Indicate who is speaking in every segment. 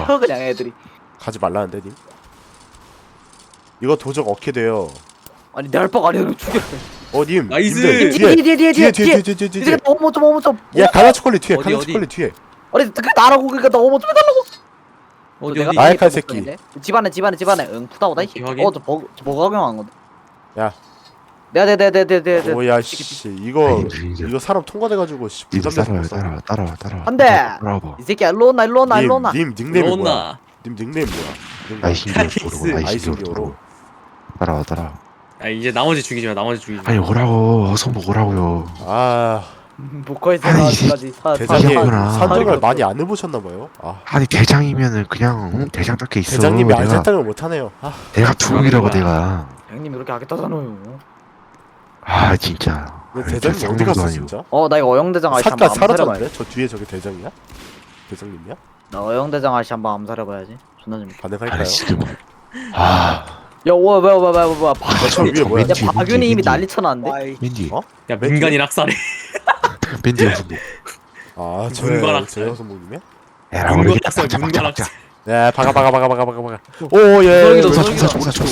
Speaker 1: 쳐 그냥 애들이.
Speaker 2: 가지 말라는데 님. 이거 도적 얻게 돼요.
Speaker 1: 아니 내 알바가 아니라 죽여.
Speaker 2: 님.
Speaker 3: 나이스.
Speaker 2: 님들 뒤에.
Speaker 1: 이제 어머 좀.
Speaker 2: 야 가나 초콜릿 뒤에.
Speaker 3: 어디,
Speaker 2: 가나
Speaker 3: 어디?
Speaker 2: 초콜릿 뒤에.
Speaker 1: 아니 그 나라고 그러니까 나 어머 좀 해달라고.
Speaker 3: 어디 어디?
Speaker 2: 나이 칼 새끼.
Speaker 1: 집안에. 응 푸다오다 이 새끼.
Speaker 3: 확인.
Speaker 1: 저 버거 강한 건데.
Speaker 2: 야.
Speaker 1: 네네네네네네.
Speaker 2: 오야 씨 이거 사람 통과돼가지고 씨 부담돼서
Speaker 4: 따라와.
Speaker 1: 안 돼.
Speaker 4: 따라와봐.
Speaker 1: 이 새끼야 일로 온나.
Speaker 2: 님 닉네임이 뭐야?
Speaker 3: 로나.
Speaker 2: 님 닉네임 뭐야?
Speaker 4: 아이신기어로
Speaker 2: 아이신기어로.
Speaker 4: 따라와.
Speaker 3: 아 이제 나머지 죽이지 마. 나머지 죽이지 마.
Speaker 4: 아니 오라고 어서 오라고요.
Speaker 2: 아
Speaker 1: 목걸이에서
Speaker 4: 아니,
Speaker 1: 아직까지
Speaker 2: 대장님
Speaker 4: 이거구나.
Speaker 2: 산적을 많이 안 해보셨나봐요.
Speaker 4: 아니 대장이면은 그냥 대장답게 있어.
Speaker 2: 대장님이
Speaker 4: 내가
Speaker 2: 알잘딱을 못하네요.
Speaker 4: 내가 두목이라고
Speaker 3: 그거야.
Speaker 4: 내가.
Speaker 1: 형님 이렇게 하겠다잖아요.
Speaker 4: 아 진짜.
Speaker 2: 근데 대장님 어디 갔어 진짜?
Speaker 1: 나 이거 어영대장 아저씨
Speaker 2: 삿가
Speaker 1: 한번 암살해봐야지.
Speaker 2: 사라졌는데? 저 뒤에 저게 대장이야? 대장님이야?
Speaker 1: 나 어영대장 아저씨 한번 암살해봐야지. 존나 재밌다.
Speaker 2: 가능할까요?
Speaker 4: 아니 지금. 아
Speaker 1: 야, 와.
Speaker 2: 저 위에 뭐야?
Speaker 1: 야, 박윤이 이미 난리 쳐놨는데?
Speaker 4: 맨디.
Speaker 2: 어?
Speaker 3: 야 민간인 학살해.
Speaker 4: 맨디 형수님.
Speaker 2: 아
Speaker 3: 문관학
Speaker 2: 저 여성분이야?
Speaker 4: 에라
Speaker 3: 문관
Speaker 4: 우리
Speaker 3: 학살. 문관 학살.
Speaker 2: 네 박아. 오예.
Speaker 1: 노설이다.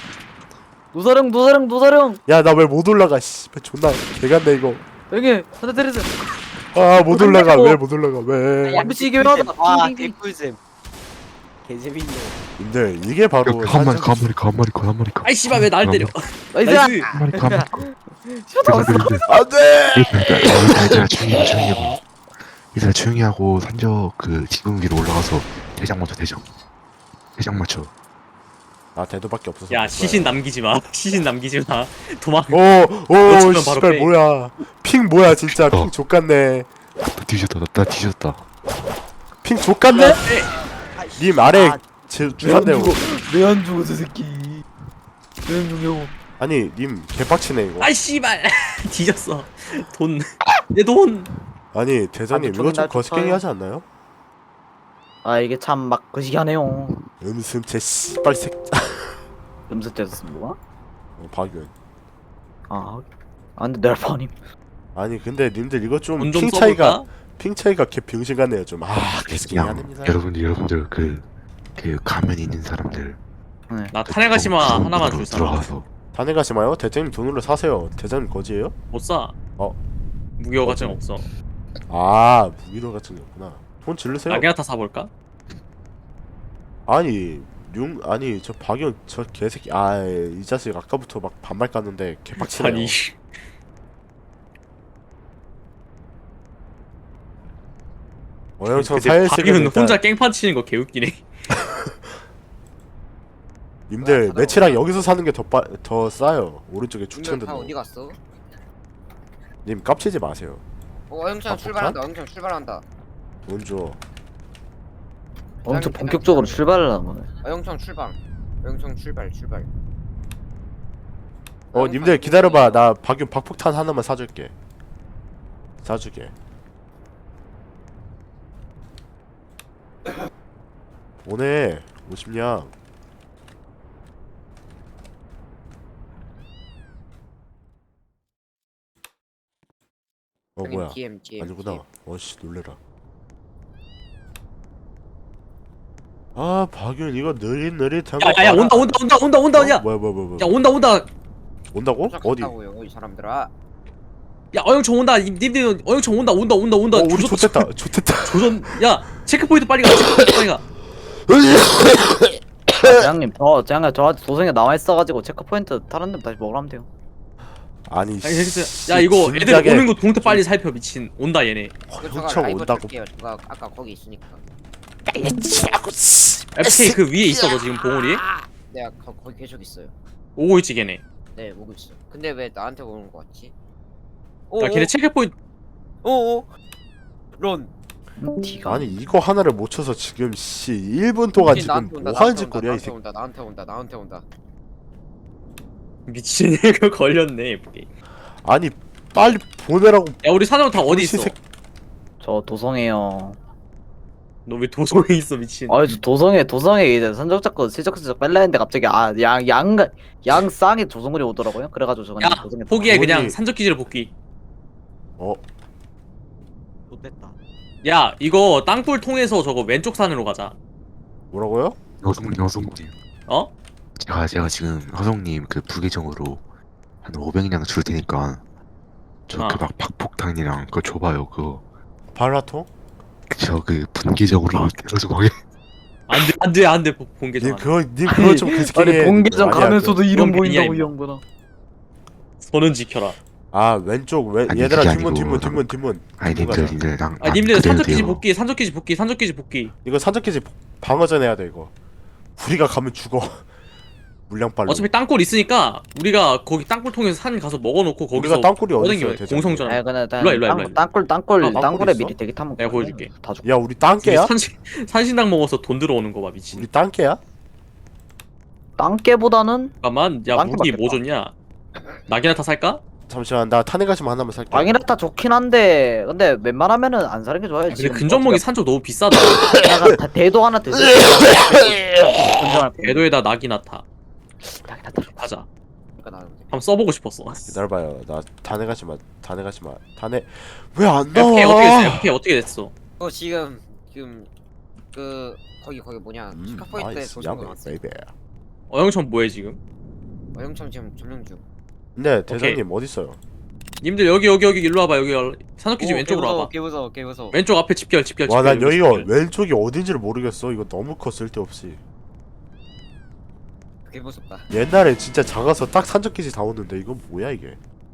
Speaker 1: 노사령.
Speaker 2: 야나 왜 못 올라가? 씨, 존나 개간데 이거.
Speaker 1: 여기 한대 때리세요.
Speaker 2: 아 못 올라가. 왜 못 올라가? 왜?
Speaker 1: MBC 이게 왜하다.
Speaker 5: 와 개꿀잼 개재밌네.
Speaker 2: 님들 이게 바로
Speaker 4: 가만히
Speaker 2: 산적-
Speaker 4: 가.
Speaker 3: 아이 씨발 왜 날 때려?
Speaker 1: 나이스.
Speaker 3: 나이스.
Speaker 2: 안돼.
Speaker 4: 얘들아 조용히 하고 산적 그 지붕 위로 올라가서 대장 맞춰.
Speaker 2: 아 대도밖에 없어서.
Speaker 3: 야 시신 남기지 마. 시신 남기지 마. 도망.
Speaker 2: 오오
Speaker 3: 놓치면 바로
Speaker 2: 씨발
Speaker 3: 빼.
Speaker 2: 뭐야? 핑 뭐야 진짜 핑 족같네.
Speaker 4: 나 뒤졌다.
Speaker 2: 핑 족같네? 님 아래 주산대요.
Speaker 1: 왜안 죽어 저 새끼. 왜안 죽여?
Speaker 2: 아니 님 개빡치네 이거.
Speaker 3: 아이 씨발. 뒤졌어. 돈. 내 돈.
Speaker 2: 아니 대장님
Speaker 1: 아니,
Speaker 2: 이거 좀
Speaker 1: 존나
Speaker 2: 거시갱이
Speaker 1: 좋아요.
Speaker 2: 하지 않나요?
Speaker 1: 아 이게 참 막 거시기하네요.
Speaker 2: 음슴 제 씨발 새.
Speaker 1: 음수 때렸어 뭐가?
Speaker 2: 박윤.
Speaker 1: 근데 내 알바 아님.
Speaker 2: 아니 근데 님들 이거 좀
Speaker 3: 돈 좀
Speaker 2: 핑
Speaker 3: 써볼까?
Speaker 2: 차이가 개 병신 같네요 좀. 개새끼네
Speaker 4: 그냥
Speaker 2: 하는
Speaker 4: 여러분들 그 가면 있는 사람들
Speaker 1: 네.
Speaker 3: 나 탄핵가시마 하나만 줄 사람.
Speaker 4: 들어가서
Speaker 2: 단에 가지 마요. 대장님 돈으로 사세요. 대장님 거지예요?
Speaker 3: 못 사.
Speaker 2: 어.
Speaker 3: 무기화 가증 없어.
Speaker 2: 아 무기도 같은 게 없구나. 돈 질르세요.
Speaker 3: 라게나타 사볼까?
Speaker 2: 아니 저 박윤 저 개새끼 이 자식 아까부터 막 반말 깠는데 개빡치네요.
Speaker 3: 아니.
Speaker 2: 어영청
Speaker 3: 근데
Speaker 2: 사일식은
Speaker 3: 박윤
Speaker 2: 일단
Speaker 3: 혼자 깽판 치는 거 개웃기네.
Speaker 2: 님들 매치랑 여기서 사는 게 더 싸요. 오른쪽에 추천된
Speaker 5: 다
Speaker 2: 거.
Speaker 5: 어디 갔어?
Speaker 2: 님 깝치지 마세요.
Speaker 5: 어영창 출발한다. 어영창 출발한다.
Speaker 2: 돈 줘.
Speaker 1: 엄청 본격적으로 출발을 한 거네.
Speaker 5: 어영창 출발. 어영창 출발.
Speaker 2: 님들 기다려봐. 나 박윤 박폭탄 하나만 사줄게. 사주게. 오네 50냥. 뭐야?
Speaker 5: DM.
Speaker 2: 아니구나. 어씨 놀래라. 아 박윤 이거 느릿한 거.
Speaker 3: 야야야 온다. 야.
Speaker 2: 뭐야.
Speaker 3: 야 온다.
Speaker 2: 온다고? 어디?
Speaker 5: 이 사람들아.
Speaker 3: 야 어영청 온다. 님들 어영청 온다.
Speaker 2: 우리 좋댔다.
Speaker 3: 조선. 야 체크포인트 빨리 가. 체크포인트 빨리 가.
Speaker 1: 대장님 저 도성에 나와 있어가지고 체크포인트 다른 데 다시 먹으러 하면 돼요.
Speaker 2: 아니
Speaker 3: 아니 진짜. 야 이거 애들 오는 거 동태 빨리 살펴 미친. 온다 얘네.
Speaker 2: 형청 온다고.
Speaker 5: 제가 아까 거기 있으니까.
Speaker 3: FK 그 위에 있어 너 지금 봉우리?
Speaker 5: 내가 거기 계속 있어요.
Speaker 3: 오고 있지 걔네.
Speaker 5: 네, 오고 있어. 근데 왜 나한테 오는 거 같지?
Speaker 3: 야 걔네 체크포인트.
Speaker 5: 오오. 런.
Speaker 1: 티가.
Speaker 2: 아니 이거 하나를 못 쳐서 지금 1분 동안 지금 뭐 하는 짓거리야 이 새끼.
Speaker 5: 나한테 온다.
Speaker 3: 미친 애가 걸렸네 FK.
Speaker 2: 아니 빨리 보내라고.
Speaker 3: 야 우리 사장 다 어디 있어?
Speaker 1: 저 도성에요.
Speaker 3: 너 왜 도성에 있어 미친?
Speaker 1: 저 도성에 이제 선적 잡고 슬쩍슬쩍 뺄라 했는데 갑자기 양 쌍에 조성물이 오더라고요. 그래가지고 저 그냥
Speaker 3: 야
Speaker 1: 도성에
Speaker 3: 포기해
Speaker 2: 뭐니?
Speaker 3: 그냥 산적 기지로 복귀.
Speaker 5: 못됐다.
Speaker 3: 야 이거 땅굴 통해서 저거 왼쪽 산으로 가자.
Speaker 2: 뭐라고요?
Speaker 4: 허송님.
Speaker 3: 어?
Speaker 4: 제가 지금 허송님 그 부계정으로 한 500량 줄 테니까 저 그 막 박폭탄이랑 그거 줘봐요. 그거
Speaker 2: 발라통?
Speaker 4: 저 그 분계정으로 계속 하게.
Speaker 3: 안돼 본계정.
Speaker 2: 님 그거 좀 그스케.
Speaker 1: 아니 본계장
Speaker 2: 아니야,
Speaker 1: 가면서도 이름
Speaker 3: 그건
Speaker 1: 보인다고
Speaker 3: 그냥
Speaker 1: 이 형보다.
Speaker 3: 손은 지켜라.
Speaker 2: 아 왼쪽
Speaker 4: 아니,
Speaker 2: 얘들아
Speaker 4: 그게
Speaker 2: 뒷문.
Speaker 4: 아니고, 아니
Speaker 2: 뒷문 가자.
Speaker 4: 님들 난
Speaker 3: 님들 산적기지 복귀.
Speaker 2: 이거 산적기지 방어전 해야 돼 이거. 우리가 가면 죽어. 물량빨로.
Speaker 3: 어차피 땅굴 있으니까 우리가 거기 땅굴 통해서 산 가서 먹어놓고 거기서
Speaker 2: 우리가 땅굴이 어디
Speaker 3: 뻗어다니면
Speaker 2: 있어요?
Speaker 3: 공성전.
Speaker 1: 아 근데
Speaker 3: 일로와.
Speaker 1: 땅굴
Speaker 2: 땅굴
Speaker 1: 땅굴에
Speaker 2: 있어?
Speaker 1: 미리 대기 타면
Speaker 3: 내가 보여줄게.
Speaker 1: 다 죽.
Speaker 2: 야 우리 땅개야?
Speaker 3: 산신당 먹어서 돈 들어오는 거 봐 미친.
Speaker 2: 우리 땅개야?
Speaker 1: 땅개보다는
Speaker 3: 잠깐만 야
Speaker 1: 땅굴
Speaker 3: 무기 뭐
Speaker 1: 맞겠다.
Speaker 3: 줬냐? 낙이나타 살까?
Speaker 2: 잠시만 나 탄핵가심 하나만 살게.
Speaker 1: 왕이라타 좋긴 한데 근데 웬만하면은 안 사는 게 좋아요.
Speaker 3: 근데 근접목이 산적 너무 비싸다.
Speaker 1: 내가 대도 하나 드세요.
Speaker 3: 궤도에다 낙이나타
Speaker 1: 땅이라타
Speaker 3: 가자.
Speaker 5: 그러니까 나는
Speaker 3: 한번 써보고 싶었어.
Speaker 2: 기다려봐요. 나 탄핵가심 탄핵 왜안
Speaker 3: FK
Speaker 2: 나와?
Speaker 3: 어떻게 됐어? FK 어떻게 됐어?
Speaker 5: 지금 그 거기 뭐냐 스카포인트에
Speaker 2: 나이스
Speaker 5: 도착한 거
Speaker 2: 야매
Speaker 5: 같아.
Speaker 2: 베이베.
Speaker 3: 어영천 뭐해 지금?
Speaker 5: 어영청 지금 점령 중.
Speaker 2: 네 대장님 어디 있어요?
Speaker 3: 님들 여기 일로 와봐. 여기 산업기지 왼쪽으로 와봐.
Speaker 5: 개 무서워.
Speaker 3: 왼쪽 앞에 집결.
Speaker 2: 와 난
Speaker 3: 여기
Speaker 2: 여기가
Speaker 3: 집결.
Speaker 2: 왼쪽이 어딘지를 모르겠어. 이거 너무 커 쓸데없이.
Speaker 5: 개 무섭다.
Speaker 2: 옛날에 진짜 작아서 딱 산적기지 다 오는데 이건 뭐야 이게?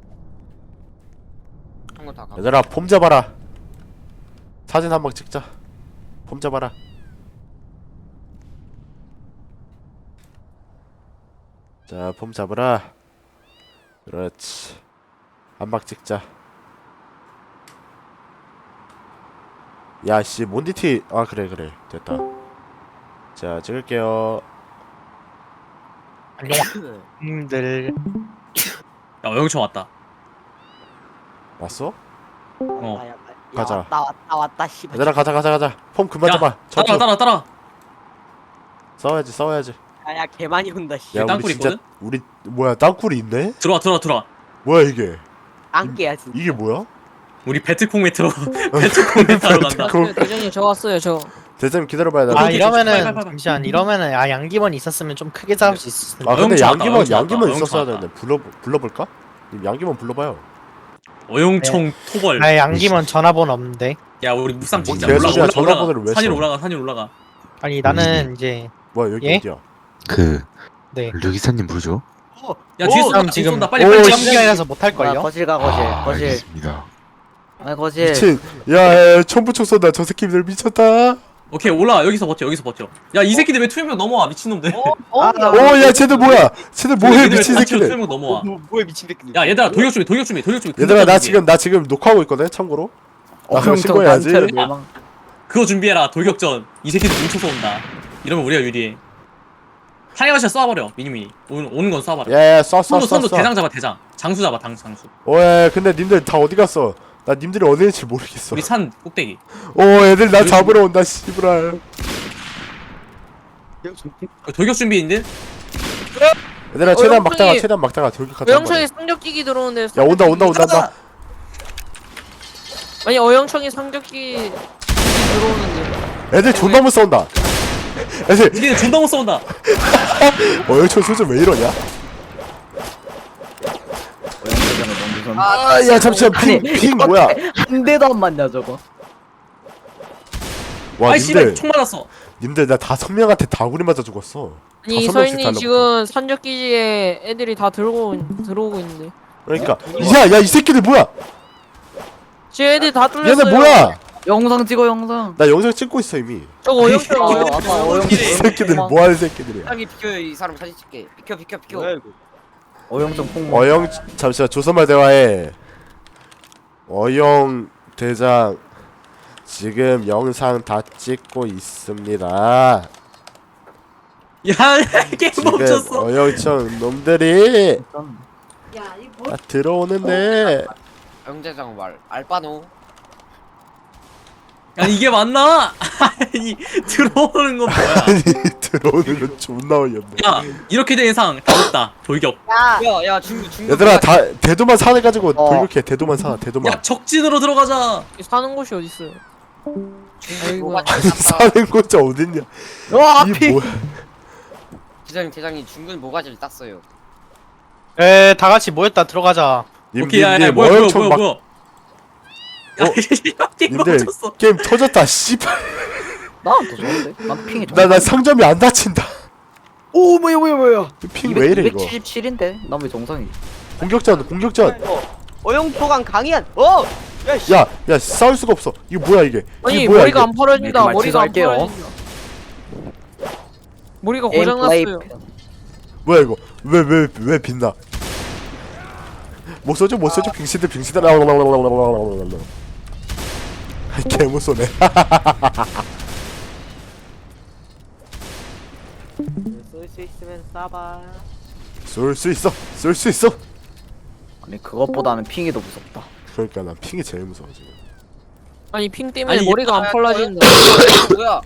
Speaker 5: 한 거 다 가.
Speaker 2: 얘들아 폼 잡아라. 사진 한 방 찍자. 폼 잡아라. 자, 폼 잡으라. 그렇지. 한 방 찍자. 야, 씨, 몬디티. 아, 그래. 됐다. 자, 찍을게요.
Speaker 6: 님들
Speaker 3: 야 어영천 왔다.
Speaker 2: 왔어?
Speaker 3: 어.
Speaker 2: 가자.
Speaker 1: 왔다 씨발.
Speaker 2: 얘들아, 가자. 폼 그만 잡아.
Speaker 3: 따라.
Speaker 2: 싸워야지.
Speaker 6: 야 개 많이 온다 씨.
Speaker 2: 야, 우리
Speaker 3: 땅굴
Speaker 2: 진짜
Speaker 3: 있거든?
Speaker 2: 우리 뭐야? 땅굴이 있네?
Speaker 3: 들어와.
Speaker 2: 뭐야 이게?
Speaker 6: 안개야 진짜.
Speaker 2: 이게 뭐야?
Speaker 3: 우리 배트콩에 들어. 배트콩에 따로 간다.
Speaker 6: 대장님 저 왔어요 저.
Speaker 2: 대장님 기다려봐야 돼.
Speaker 6: 아
Speaker 3: 오케이,
Speaker 6: 이러면은
Speaker 3: 빨리.
Speaker 6: 잠시만 이러면은 양기만 있었으면 좀 크게 잡을 수 있었을 텐데.
Speaker 2: 아 근데
Speaker 3: 어영청 왔다, 어영청
Speaker 2: 양기만
Speaker 3: 왔다,
Speaker 2: 있었어야
Speaker 3: 어영청
Speaker 2: 되는데 불러볼까? 님 양기만 불러봐요.
Speaker 3: 어영청 토벌.
Speaker 6: 아 양기만 전화번호 없는데.
Speaker 3: 야 우리 묵상 진짜
Speaker 2: 뭔 개소리야, 전화번호를 왜
Speaker 3: 산위로
Speaker 2: 써?
Speaker 3: 올라가.
Speaker 6: 아니 나는 이제
Speaker 2: 뭐야 여기
Speaker 6: 예?
Speaker 2: 어디야?
Speaker 4: 그
Speaker 6: 네.
Speaker 4: 류기사님 부르죠?
Speaker 3: 야 뒤에 쏜다.
Speaker 6: 그럼 지금
Speaker 3: 빨리.
Speaker 6: 시간이라서 못할 걸요.
Speaker 1: 거실
Speaker 4: 알겠습니다.
Speaker 1: 아 거실.
Speaker 2: 미친. 야 천부총 쏜다. 저 새끼들 미쳤다.
Speaker 3: 오케이 올라. 여기서 버텨. 야 이 새끼들 왜 투명벽 넘어와 미친놈들.
Speaker 2: 오야 쟤들 뭐야? 쟤들 뭐해 미친 새끼들.
Speaker 3: 투명벽 넘어와.
Speaker 6: 뭐야 미친 새끼.
Speaker 3: 야 얘들아 돌격 준비.
Speaker 2: 얘들아 나 지금 녹화하고 있거든. 참고로. 나 그거 신고해야지.
Speaker 3: 그거 준비해라. 돌격전. 이 새끼들 뭉쳐서 온다. 이러면 우리가 유리해. 타이어샷 쏴버려. 미니미니. 오는 건 쏴버려.
Speaker 2: 야야
Speaker 3: 선도
Speaker 2: 쏴.
Speaker 3: 대장 잡아 대장. 장수 잡아 장수.
Speaker 2: 오야 근데 님들 다 어디 갔어? 나 님들이 어디 있는지 모르겠어.
Speaker 3: 우리 산 꼭대기.
Speaker 2: 오 애들 나 잡으러 온다 씨부랄.
Speaker 3: 돌격 준비인데?
Speaker 2: 얘들아 최대한 막다가 돌격하자.
Speaker 7: 어영청이 상격기기 들어오는데.
Speaker 2: 야 온다.
Speaker 7: 아니 어영청이 상격기 들어오는데.
Speaker 2: 애들 존나 못 싸운다. 애들
Speaker 3: 니네 존나 못 쏜다.
Speaker 2: 여기저 소리 왜 이러냐? 아야 잠시만 핑 뭐야?
Speaker 1: 한 대도 안 맞냐 저거.
Speaker 2: 와
Speaker 3: 아이 씨발
Speaker 2: 님들
Speaker 3: 총 맞았어.
Speaker 2: 님들 나 5명한테 다구리 맞아 죽었어.
Speaker 7: 아니
Speaker 2: 5명씩
Speaker 7: 서인이
Speaker 2: 달라붙어.
Speaker 7: 지금 상격기지에 애들이 다 들어오고 있는데.
Speaker 2: 그러니까 야 이 새끼들 뭐야?
Speaker 7: 지금 애들 다 뚫렸어요.
Speaker 2: 얘네 뭐야?
Speaker 1: 영상 찍어 영상.
Speaker 2: 나 영상 찍고 있어 이미.
Speaker 7: 저거 어영청
Speaker 2: 이 새끼들 뭐 하는 새끼들이야?
Speaker 5: 사람이 비켜 이 사람 사진 찍게. 비켜.
Speaker 1: 어영청 폭.
Speaker 2: 어영 잠시만 조선말 대화해. 어영 대장 지금 영상 다 찍고 있습니다.
Speaker 3: 야 게임
Speaker 2: 지금
Speaker 3: 멈췄어.
Speaker 2: 어영청 놈들이 다 들어오는데
Speaker 5: 영재장 말 알바노.
Speaker 3: 아니 이게 맞나? 아니 들어오는 건 뭐야?
Speaker 2: 아니 들어오는 건 존나 어이없네.
Speaker 3: 야 이렇게 된 이상 다 없다. 돌격.
Speaker 5: 야 중국.
Speaker 2: 얘들아 다 대도만 사내가지고 돌격해. 대도만 사. 대도만.
Speaker 3: 야 적진으로 들어가자.
Speaker 7: 사는 곳이 어디 있어요? 아이고.
Speaker 5: 모가지
Speaker 2: 사는 곳자 어딨냐?
Speaker 1: 와
Speaker 2: 이
Speaker 1: 피.
Speaker 2: 뭐야?
Speaker 5: 대장님 중근 모가지를 땄어요.
Speaker 6: 다 같이 모였다 들어가자.
Speaker 3: 오케이 야야
Speaker 2: 님들
Speaker 3: 뭐야 뭐야
Speaker 2: 엄청
Speaker 3: 뭐야
Speaker 2: 막
Speaker 3: 뭐야. 야 게임
Speaker 2: 님들
Speaker 3: 멈췄어.
Speaker 2: 게임 터졌다. 씨발.
Speaker 1: 나는 더 좋은데. 난 핑이 좋아.
Speaker 2: 나 상점이 안 닫힌다.
Speaker 1: 오 뭐야.
Speaker 2: 핑 왜 이래 이거?
Speaker 1: 277인데. 난 왜 정상이?
Speaker 2: 공격전.
Speaker 5: 어영토강 강이한. 어.
Speaker 2: 야 싸울 수가 없어. 이거 뭐야 이게?
Speaker 7: 아니
Speaker 2: 이게 뭐야
Speaker 7: 머리가
Speaker 2: 이게?
Speaker 7: 안 펄어진다.
Speaker 1: 이렇게
Speaker 7: 머리가 안
Speaker 1: 말취소할게요.
Speaker 7: 펄어진다. 머리가
Speaker 1: 게임 플레이.
Speaker 7: 고장났어요.
Speaker 2: 뭐야 이거? 왜 빛나? 못 써줘 빙시들 개못 쏘네.
Speaker 5: 쏠 수 있으면 쏴봐.
Speaker 2: 쏠 수 있어.
Speaker 1: 아니 그것보다는 핑이 더 무섭다.
Speaker 2: 그러니까 난 핑이 제일 무서워 지금.
Speaker 7: 아니 핑 때문에
Speaker 3: 아니,
Speaker 7: 머리가 안 펄어진다.
Speaker 5: 뭐야?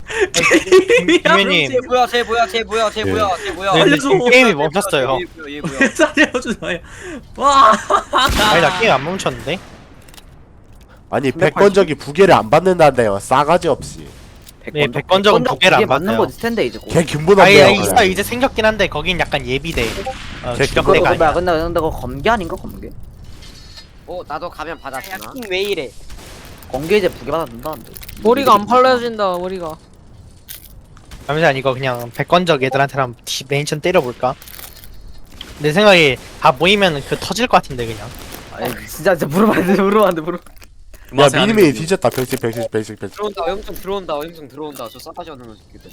Speaker 6: 김현님.
Speaker 5: 쟤 뭐야?
Speaker 6: 네,
Speaker 3: 알려줘.
Speaker 6: 게임이 멈췄어요.
Speaker 5: 얘 뭐야?
Speaker 3: 살려줘 와.
Speaker 6: 아니 나 게임 안 멈췄는데?
Speaker 2: 아니 백건적이 부계를 안 받는다는데요. 싸가지 없이.
Speaker 6: 네, 백건적은 부계를 안
Speaker 1: 맞는
Speaker 6: 받아요.
Speaker 1: 거지 텐데 이제.
Speaker 2: 걔 근본
Speaker 6: 아니
Speaker 2: 없네요.
Speaker 6: 있어 이제 생겼긴 한데 거긴 약간 예비대.
Speaker 2: 걔
Speaker 6: 주력대가 아니야.
Speaker 1: 근데 그거 검게 아닌가 검게?
Speaker 5: 나도 가면 받았잖아.
Speaker 8: 왜 이래?
Speaker 1: 검게 이제 부게 받아준다는데.
Speaker 7: 머리가 안 펄어진다. 머리가.
Speaker 6: 잠시만 이거 그냥 백건적 애들한테 한번 메인션 때려볼까? 내 생각에 다 모이면 그 터질 것 같은데 그냥.
Speaker 1: 아니 진짜 물어봐 안 돼.
Speaker 2: 야 미니메이 뒤졌다. 백식.
Speaker 5: 들어온다. 어영통 들어온다. 저 싸가지 없는 새끼들.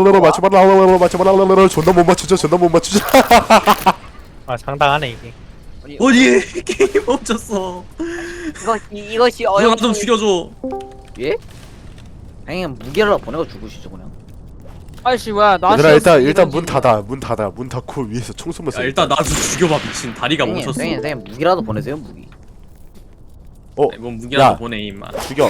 Speaker 2: 맞춰봐라. 존나 못 맞추죠.
Speaker 6: 아 상당하네 이게.
Speaker 5: 아니,
Speaker 3: 어디 게임 멈췄어.
Speaker 8: 이것이
Speaker 3: 누가 좀 죽여줘.
Speaker 1: 예? 그냥 무게를 보내고 죽으시죠 그냥.
Speaker 7: 아이씨 뭐야 나.
Speaker 2: 얘들아 일단 문 닫아. 문 닫고 위에서 총 쏘면서.
Speaker 3: 야 일단 나 좀 죽여봐 미친. 다리가 멈췄어.
Speaker 1: 형님 무기라도 보내세요 무기.
Speaker 3: 뭔 무기라도
Speaker 2: 야.
Speaker 3: 보내 임마.
Speaker 2: 죽여.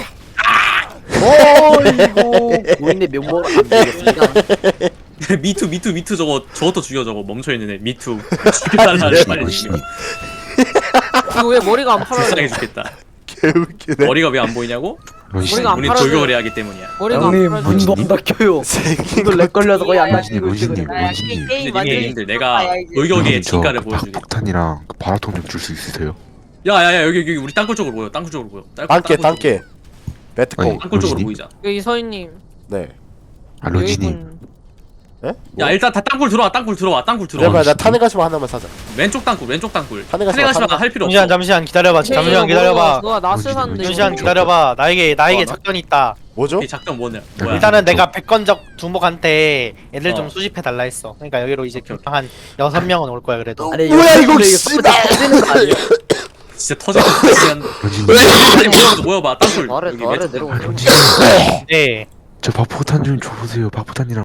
Speaker 1: 어이구 고인의 명목 안 되겠습니다.
Speaker 3: 미투 저것도 죽여 저거 멈춰있는 애 미투. 죽여달라는 말이
Speaker 4: 원신님
Speaker 7: 이거 왜 머리가 안 펄어져?
Speaker 3: 불쌍해 죽겠다.
Speaker 2: 개웃기네.
Speaker 3: 머리가 왜 안 보이냐고?
Speaker 4: 원신님
Speaker 7: 머리가 안
Speaker 3: 우린
Speaker 7: 팔아줘요.
Speaker 3: 돌격을 해야 하기 때문이야.
Speaker 7: 머리가
Speaker 1: 형님
Speaker 7: 안 펄어져.
Speaker 1: 문도 안 닫혀요.
Speaker 2: 생긴
Speaker 1: 문도 렉 걸려서 거의 안
Speaker 4: 원신님
Speaker 1: 닫히고
Speaker 4: 원신님
Speaker 1: 있거든.
Speaker 4: 원신님
Speaker 3: 근데 님들 내가 돌격의
Speaker 4: 저
Speaker 3: 진가를 보여주게.
Speaker 4: 박폭탄이랑 그 발화통 좀 줄 수 있으세요?
Speaker 3: 야야야 여기 우리 땅굴 쪽으로 모여. 땅굴 쪽으로 모여.
Speaker 2: 땅깨. 배트콩.
Speaker 3: 땅굴 쪽으로
Speaker 4: 원신님?
Speaker 3: 모이자.
Speaker 7: 여기 서인님.
Speaker 2: 네.
Speaker 4: 아 런쥔님
Speaker 7: 여기군.
Speaker 3: 야 일단 다 땅굴 들어와.
Speaker 2: 그래봐 나 탄핵 가시마 하나만 사자.
Speaker 3: 왼쪽 땅굴.
Speaker 2: 탄핵 가시마.
Speaker 3: 탄핵하시면 할 필요 없어.
Speaker 6: 잠시만 기다려봐. 잠시만 기다려봐.
Speaker 7: 누가 낯을 샀는데.
Speaker 6: 잠시만 기다려봐. 나에게
Speaker 3: 나?
Speaker 6: 작전이 있다.
Speaker 2: 뭐죠?
Speaker 3: 이 작전 뭐냐?
Speaker 6: 일단은 내가 백건적 두목한테 애들 좀
Speaker 3: 어.
Speaker 6: 수집해 달라 했어. 그러니까 여기로 이제
Speaker 3: 오케이,
Speaker 6: 한 6명은 올 거야 그래도.
Speaker 1: 아니
Speaker 2: 뭐야, 이거
Speaker 1: 근데
Speaker 2: 씨발.
Speaker 1: 터지는 거 아니야?
Speaker 3: 진짜 터질 것 같은.
Speaker 4: 런쥔님
Speaker 3: 모여봐 땅굴.
Speaker 1: 더 아래
Speaker 3: 여기
Speaker 1: 더 아래
Speaker 3: 왼쪽
Speaker 1: 내려오세요.
Speaker 6: 네.
Speaker 4: 저 박폭탄 좀 줘보세요. 박폭탄이랑